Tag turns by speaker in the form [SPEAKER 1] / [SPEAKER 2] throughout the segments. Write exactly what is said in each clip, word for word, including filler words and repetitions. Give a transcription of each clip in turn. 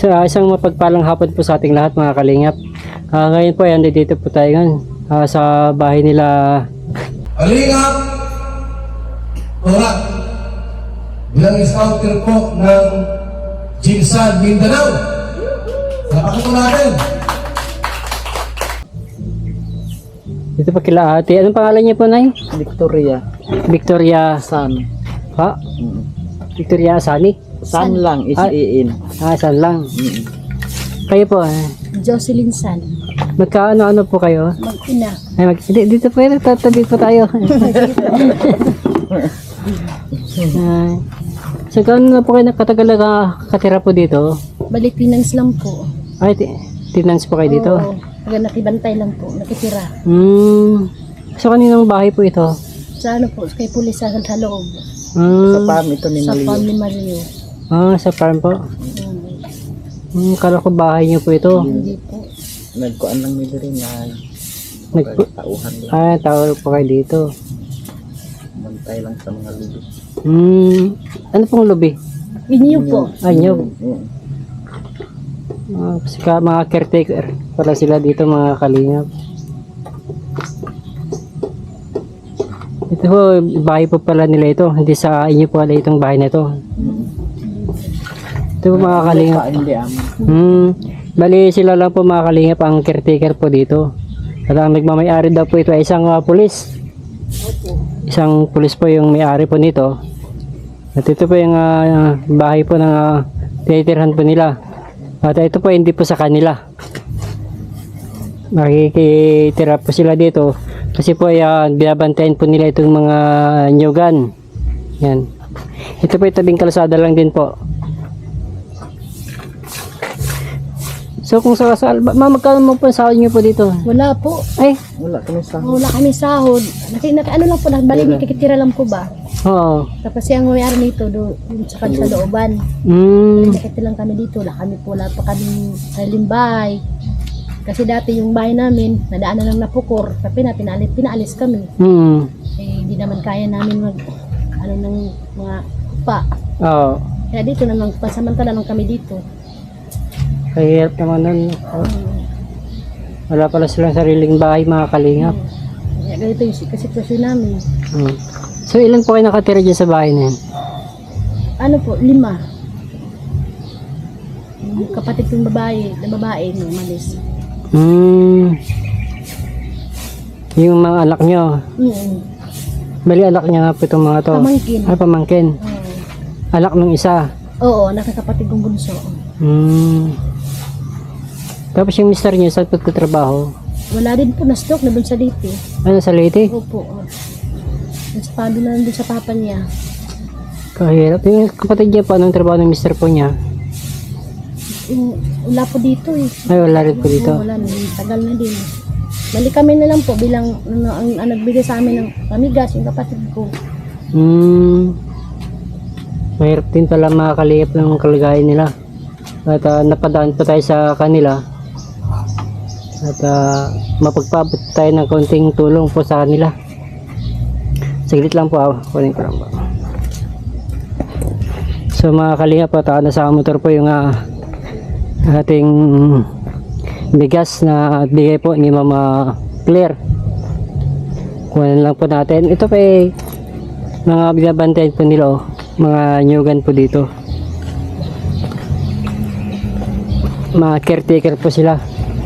[SPEAKER 1] So, uh, isang mapagpalang hapon po sa ating lahat mga kalingap. Uh, ngayon po, yan, dito po tayo ngayon uh, sa bahay nila.
[SPEAKER 2] Kalingap! Torat! Bilang scouter po ng Jinsan, Mindanao. Salamat po natin.
[SPEAKER 1] Dito pa kila ate. Anong pangalan niya po, Nay?
[SPEAKER 3] Victoria.
[SPEAKER 1] Victoria.
[SPEAKER 3] San.
[SPEAKER 1] Ha?
[SPEAKER 3] Mm.
[SPEAKER 1] Victoria Asani?
[SPEAKER 3] San lang, is
[SPEAKER 1] Ah.
[SPEAKER 3] in.
[SPEAKER 1] Ah, saan lang?
[SPEAKER 3] Mm.
[SPEAKER 1] Kayo po, eh.
[SPEAKER 4] Jocelyn San,
[SPEAKER 1] Magkaano-ano po kayo?
[SPEAKER 4] mag-ina.
[SPEAKER 1] Ay, mag, di, dito po yun, tatabi po tayo. Ay. So, gaano na po kayo nakatagal na katira po dito?
[SPEAKER 4] Balik Pinangs lang po.
[SPEAKER 1] Ay, tinans po kayo dito?
[SPEAKER 4] Oo, taga nakibantay lang po, nakitira.
[SPEAKER 1] Hmm. So, kaninong bahay po ito?
[SPEAKER 4] Sa ano po, kay pulis sa, sa loob.
[SPEAKER 1] Hmm.
[SPEAKER 3] Sa farm ito ni
[SPEAKER 4] Sa
[SPEAKER 3] Mario.
[SPEAKER 4] farm ni Mario.
[SPEAKER 1] Ah, sa farm po.
[SPEAKER 4] Um,
[SPEAKER 1] Hmm, kala ko bahay niyo po ito.
[SPEAKER 4] hindi po.
[SPEAKER 3] Nagkuan lang nila rin na
[SPEAKER 1] Nag-
[SPEAKER 3] tauhan lang.
[SPEAKER 1] Ah, tawag po kayo dito.
[SPEAKER 3] Mantay lang sa mga lubi.
[SPEAKER 1] Hmm. Ano pong lobby?
[SPEAKER 4] Inyo po.
[SPEAKER 1] Ay, nyo.
[SPEAKER 3] Mm.
[SPEAKER 1] Uh, sika, mga caretaker pala sila dito mga kalingap. Ito po, bahay po pala nila ito. Hindi sa inyo po pala itong bahay na ito. Ito po mga kalingap.
[SPEAKER 3] Pa, hindi amin.
[SPEAKER 1] Hmm. Bali sila lang po mga kalingap ang caretaker po dito. At ang nagmamayari daw po ito ay isang uh, pulis. Isang pulis po yung may-ari po nito. At ito po yung uh, bahay po ng uh, tinitirhan po nila. At ito po hindi po sa kanila. Makikitira po sila dito. Kasi po ay uh, binabantayan po nila itong mga nyugan. Yan. Ito po yung tabing kalsada lang din po. So kung sa kasal, ma'am, magkano mo po sahod niyo po dito?
[SPEAKER 4] Wala po.
[SPEAKER 1] Ay,
[SPEAKER 3] Wala kami sa...
[SPEAKER 4] Wala kami sahod. Naki, naki, ano lang po, balik nakikitira lang po ba?
[SPEAKER 1] oo.
[SPEAKER 4] Tapos yung mayari nito, doon sa kanila sa looban.
[SPEAKER 1] Hmm.
[SPEAKER 4] Nakikita lang kami dito. Wala kami po, wala pa kami sa limbay. Kasi dati yung bahay namin, nadaanan lang na pukor. Tapi na, pinalis, pinaalis kami.
[SPEAKER 1] Hmm.
[SPEAKER 4] Eh, hindi naman kaya namin mag, ano ng mga upa.
[SPEAKER 1] Oo.
[SPEAKER 4] Kaya dito naman, pasamantala lang kami dito.
[SPEAKER 1] Kahirap naman nun. Oh. Wala pala silang sariling bahay mga kalingap.
[SPEAKER 4] Kaya ganito yung si- sitwasyon namin.
[SPEAKER 1] Hmm. So ilan po kayo nakatira dyan sa bahay na yan?
[SPEAKER 4] Ano po, lima. Yung kapatid kong babae, na babae, no, malis.
[SPEAKER 1] Hmm. Yung mga anak nyo.
[SPEAKER 4] Mm.
[SPEAKER 1] Bali anak niya nga po itong mga to.
[SPEAKER 4] Pamangkin.
[SPEAKER 1] Ay, pamangkin.
[SPEAKER 4] Oo.
[SPEAKER 1] Anak nung isa.
[SPEAKER 4] Oo, anak ng kapatid kong bunso.
[SPEAKER 1] Hmm. Tapos yung mister niyo, saan po trabaho?
[SPEAKER 4] Wala din po, na-stroke na dun sa dito.
[SPEAKER 1] Ano, sa Leyte?
[SPEAKER 4] Opo. Oh. Naspado na dun sa papa niya.
[SPEAKER 1] Kahirap. Yung kapatid niya po, anong trabaho ng mister po niya?
[SPEAKER 4] Yung, wala po dito eh.
[SPEAKER 1] Ay, wala rin po dito.
[SPEAKER 4] Oo, wala na, tagal na din. Bali kami na lang po bilang ano, ang, ang nagbigay sa amin ng pamigas, yung kapatid ko.
[SPEAKER 1] Hmm. Mahirap din pala makakalihip ng kalagayan nila. At uh, napadaan pa tayo sa kanila. At uh, mapagpabot tayo ng konting tulong po sa kanila. Saglit lang po ako. Kunin ko lang po. So mga kalihip po, uh, nasa motor po yung uh, ating bigas na bigay po ni Mama Claire. Kunin lang po natin. Ito pa eh, mga binabantayan po nila oh. Mga nyugan po dito. Mga caretaker po sila.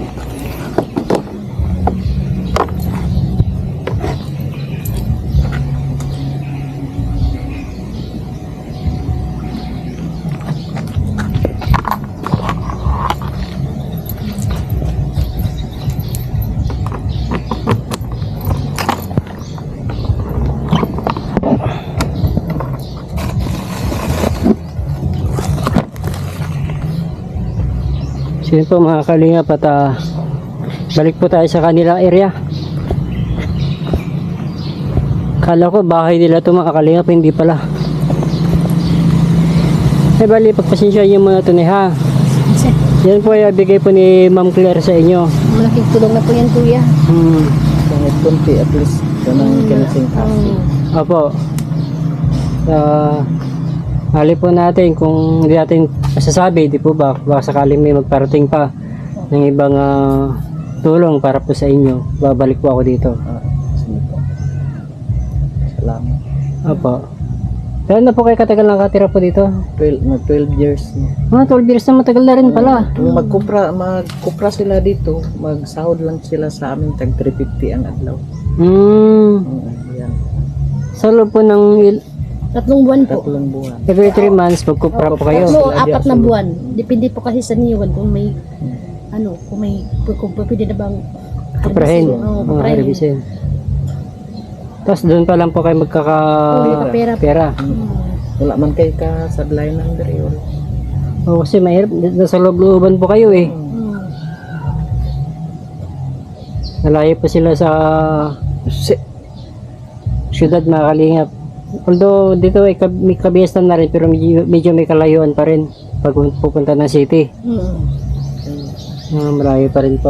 [SPEAKER 1] Sige po mga kalingap at uh, balik po tayo sa kanila area. Kala ko bahay nila ito mga kalingap, hindi pala. Eh bali, pagpasensya nyo muna ito ni ha. Yan po ay bigay po ni Ma'am Claire sa inyo.
[SPEAKER 4] Malaking tulong na po yan, kuya.
[SPEAKER 1] Hmm.
[SPEAKER 3] Kahit kunti at least. Ito nang kinasing happy.
[SPEAKER 1] Opo. Uh, hali po natin kung hindi natin masasabi, di po ba? Baka sakaling may magparating pa ng ibang ah, tulong para po sa inyo. Babalik po ako dito.
[SPEAKER 3] Ah, sige po. Salamat.
[SPEAKER 1] Opo. Kaya na po kayo katagal nakatira po dito?
[SPEAKER 3] twelve, mag twelve years na.
[SPEAKER 1] Mga twelve years na matagal na rin pala.
[SPEAKER 3] Kung magkupra, magkupra sila dito, magsahod lang sila sa amin tag three fifty ang adlaw.
[SPEAKER 1] Hmm.
[SPEAKER 3] Oo, yan.
[SPEAKER 1] Sa loob po ng il-
[SPEAKER 4] Tatlong buwan po.
[SPEAKER 3] Tatlong buwan.
[SPEAKER 1] every three months, magkupra po kayo.
[SPEAKER 4] Tatlo, apat na buwan. Depende po kasi sa niwan kung may, ano, kung may, kung pwede na bang
[SPEAKER 1] Kuprahin.
[SPEAKER 4] Oo,
[SPEAKER 1] Mga
[SPEAKER 4] kuprahin.
[SPEAKER 1] harbisin. Tapos doon pa lang po kayo magkaka
[SPEAKER 4] Oo, pera.
[SPEAKER 1] pera.
[SPEAKER 4] Hmm.
[SPEAKER 3] Wala man kay ka sa ng dere. Wala.
[SPEAKER 1] O kasi mahirap, nasa loob-looban po kayo eh.
[SPEAKER 4] Hmm.
[SPEAKER 1] Nalayo po sila sa
[SPEAKER 3] Si,
[SPEAKER 1] syudad mga kalingap. Although dito ay kab- may kabiyasan na rin pero medyo, medyo may kalayuan pa rin pag pupunta ng city.
[SPEAKER 4] Hmm.
[SPEAKER 1] Uh, malayo pa rin po.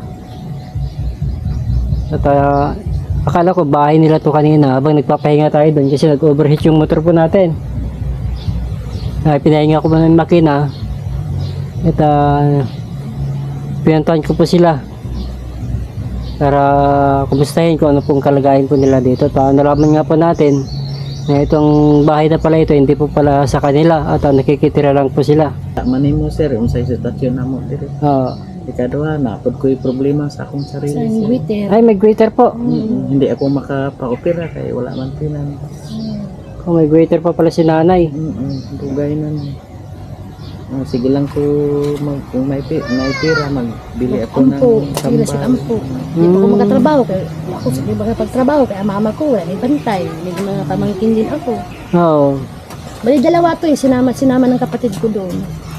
[SPEAKER 1] At ah, akala ko bahay nila to kanina habang nagpapahinga tayo doon kasi nag-overheat yung motor po natin. Uh, pinahinga ko ba ng makina at uh, pinantahan ko po sila para kumustahin kung ano pong kalagayan po nila dito. At uh, nalaman nga po natin na itong bahay na pala ito hindi po pala sa kanila at uh, nakikitira lang po sila.
[SPEAKER 3] manin mo sir, unsay sitwasyon na mo dere.
[SPEAKER 1] Uh,
[SPEAKER 3] Ikaduha, napod ko yung problema sa akong
[SPEAKER 4] Sa
[SPEAKER 3] sarili. sir.
[SPEAKER 4] waiter.
[SPEAKER 1] ay may greeter po.
[SPEAKER 3] Mm, Hindi ako makapa-opera kaya wala man tinan.
[SPEAKER 1] Oh, may greeter pa pala si nanay.
[SPEAKER 3] Mm Dugay na na. Ah, sige lang ko mag, kung may, pi- may pira, magbili ako ng
[SPEAKER 4] Ampo. Sila si
[SPEAKER 3] sambal.
[SPEAKER 4] Ampo. Hindi pa ako magkatrabaho. Kaya ako sa iba kapagtrabaho. Kaya mama ko, wala may bantay. May mga pamangkin din ako.
[SPEAKER 1] Oo.
[SPEAKER 4] Bali dalawa to eh. Sinama, sinama ng kapatid ko doon.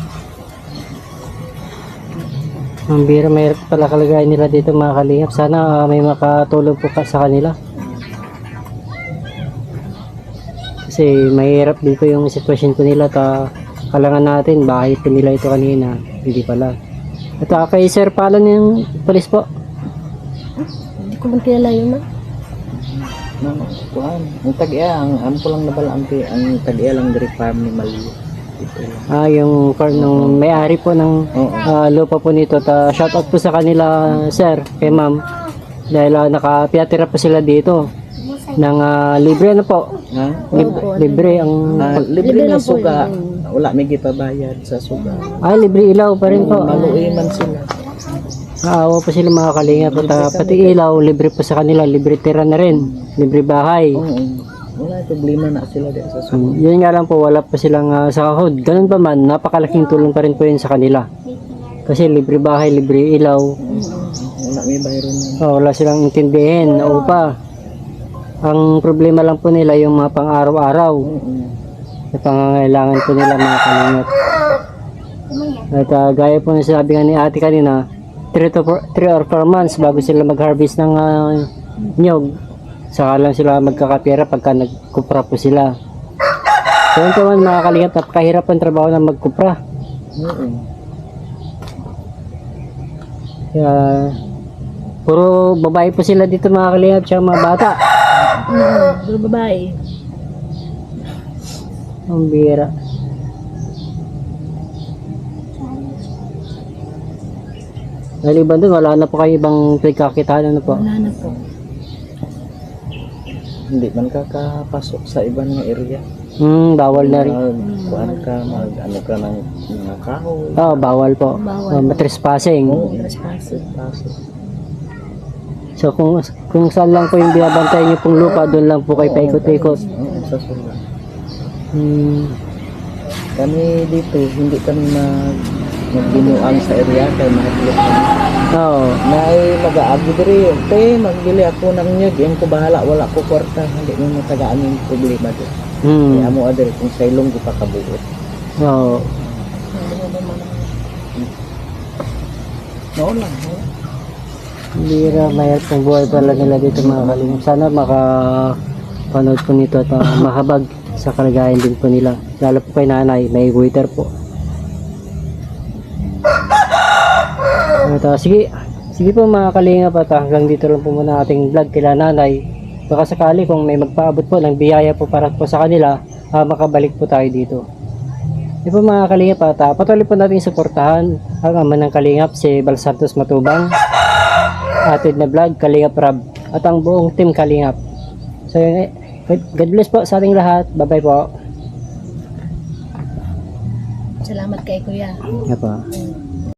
[SPEAKER 1] Ang bira, may pala kalagayan nila dito mga kalingap. Sana ah, may makatulong po ka sa kanila. Kasi mahirap din po yung sitwasyon po nila. Ta kalangan natin, bahay po nila ito kanina. Hindi pala. At ah, kay Sir Palon yung polis po.
[SPEAKER 4] Hindi ko man kilala yun man.
[SPEAKER 3] No, kuan. Ang tag-iya, ang ampo lang nabala ang, ang tag-iya lang dari farm ni Maliyo. Ito lang.
[SPEAKER 1] Ah, yung farm nung may-ari po ng
[SPEAKER 3] Oo.
[SPEAKER 1] ah, lupa po nito. Ta shout out po sa kanila, Sir, kay Ma'am. Dahil uh, nakapiyatira po sila dito. Ng ah, libre na po.
[SPEAKER 3] Ha?
[SPEAKER 1] Lib-
[SPEAKER 4] Opo,
[SPEAKER 1] libre ang
[SPEAKER 3] Ah, libre
[SPEAKER 4] Libre
[SPEAKER 3] na
[SPEAKER 4] lang po
[SPEAKER 3] suga.
[SPEAKER 4] yun.
[SPEAKER 3] Wala may gipabayad sa suga.
[SPEAKER 1] ay libre ilaw pa rin po.
[SPEAKER 3] Maluwi man sila.
[SPEAKER 1] Naawa po sila mga kalingap at ah, pati ilaw libre po sa kanila, libre tira na rin, libre bahay.
[SPEAKER 3] Oo. Wala problema na sila din sa suga.
[SPEAKER 1] Um, yun nga lang po, wala pa silang ah, sahod. Ganun pa man, napakalaking tulong pa rin po yun sa kanila. Kasi libre bahay, libre ilaw.
[SPEAKER 3] Wala may bayron na.
[SPEAKER 1] Oh, wala silang intindihin na upa. Ang problema lang po nila yung mga pang-araw-araw. Na pangangailangan po nila mga kalingap. At ah, gaya po na sabi nga ni ate kanina, three or four months bago sila mag-harvest ng ah, nyog. Saka lang sila magkakapira pagka nagkupra po sila. So yun po man mga kalingap, napakahirap ang trabaho ng magkupra.
[SPEAKER 3] Oo.
[SPEAKER 1] Kaya puro babae po sila dito mga kalingap, tsaka mga bata.
[SPEAKER 4] Hmm. Pero babae.
[SPEAKER 1] Ang bira. Naliban doon, wala na po kayo ibang pinagkakitaan, ano po?
[SPEAKER 4] Wala na po.
[SPEAKER 3] Hindi man ka kapasok sa ibang nga area.
[SPEAKER 1] Hmm, bawal na rin.
[SPEAKER 3] Mag, kuan ka, mag, ano ka ng mga kahoy.
[SPEAKER 1] Oo, bawal po.
[SPEAKER 4] Bawal.
[SPEAKER 1] Uh, matrespassing.
[SPEAKER 3] Oo.
[SPEAKER 4] Trespassing.
[SPEAKER 3] Pasok.
[SPEAKER 1] So kung kung saan lang po yung binabantay niyo pong lupa, doon lang po kayo paikot-ikot.
[SPEAKER 3] Oo, sa suga.
[SPEAKER 1] Hmm.
[SPEAKER 3] Kami dito, hindi kami mag magbinuang sa area kay mahigit kami.
[SPEAKER 1] Oo.
[SPEAKER 3] May mag-aagi diri, okay, magbili ako ng nyug, yung ko bahala, wala ko kwarta, hindi mo matagaan yung problema doon.
[SPEAKER 1] Hmm.
[SPEAKER 3] Kaya mo adiri kung sa ilong di pa kabuot.
[SPEAKER 1] Oo.
[SPEAKER 3] No lang, no?
[SPEAKER 1] Bira, mahirap ang buhay pala nila dito mga kalingap. Sana makapanood po nito at uh, mahabag sa kalagayan din po nila. Lalo po kay nanay, may waiter po. At, uh, sige, sige po mga kalingap at uh, hanggang dito lang po muna ating vlog kila nanay. Baka sakali kung may magpaabot po ng biyaya po para po sa kanila, uh, makabalik po tayo dito. Di po mga kalingap at ah, patuloy po natin suportahan ang ama ng kalingap si Bal Santos Matubang, Atid na Vlog, Kalingap Rab, at ang buong team Kalingap. So yun, eh, God God bless po sa ating lahat. Bye bye po.
[SPEAKER 4] Salamat kay Kuya.
[SPEAKER 1] Yan po.
[SPEAKER 4] Mm.